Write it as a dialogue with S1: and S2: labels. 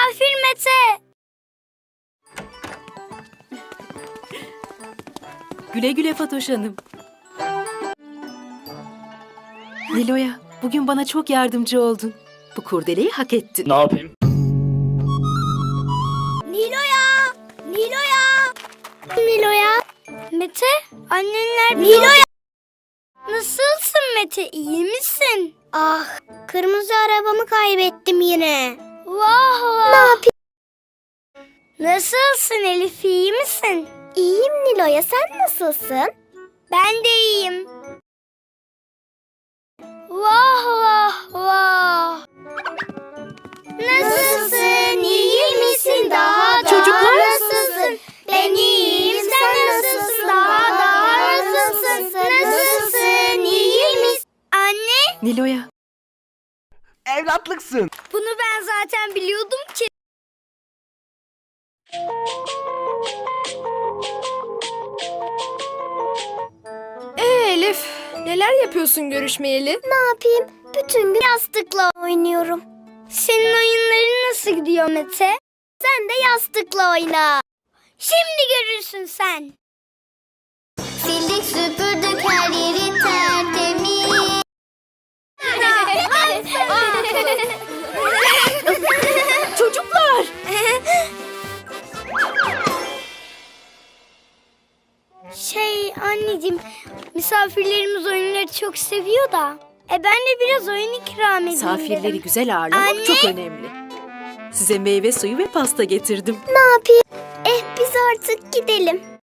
S1: Misafir Mete.
S2: Güle güle Fatoş Hanım. Nilo'ya, bugün bana çok yardımcı oldun. Bu kurdeleyi hak ettin.
S3: Ne yapayım?
S1: Nilo'ya. Nilo'ya. Nilo'ya. Mete, annenler Nilo'ya. Nasılsın Mete, iyi misin? Ah, kırmızı arabamı kaybettim yine. Vah vah. Ne yapayım? Nasılsın Elif, iyi misin? İyiyim Nilo'ya, sen nasılsın? Ben de iyiyim. Vah vah vah. Nasılsın, iyi misin, daha
S2: Çocuklar.
S1: nasılsın? Ben iyiyim, sen nasılsın, daha nasılsın? Nasılsın, iyi misin? Anne,
S2: Nilo'ya,
S4: Evlatlıksın.
S1: bunu ben zaten biliyordum ki.
S5: Elif, neler yapıyorsun görüşmeyeli?
S1: Ne yapayım? Bütün gün yastıkla oynuyorum. Senin oyunların nasıl gidiyor Mete? Sen de yastıkla oyna. Şimdi görürsün sen. Sildik süpürdük her yeri tertemiz.
S2: çocuklar!
S1: Anneciğim, misafirlerimiz oyunları çok seviyor da. Ben de biraz oyun ikram edeyim
S2: Misafirleri
S1: dedim.
S2: güzel ağırlamak
S1: Anne.
S2: çok önemli. Size meyve suyu ve pasta getirdim.
S1: Ne yapayım? Biz artık gidelim.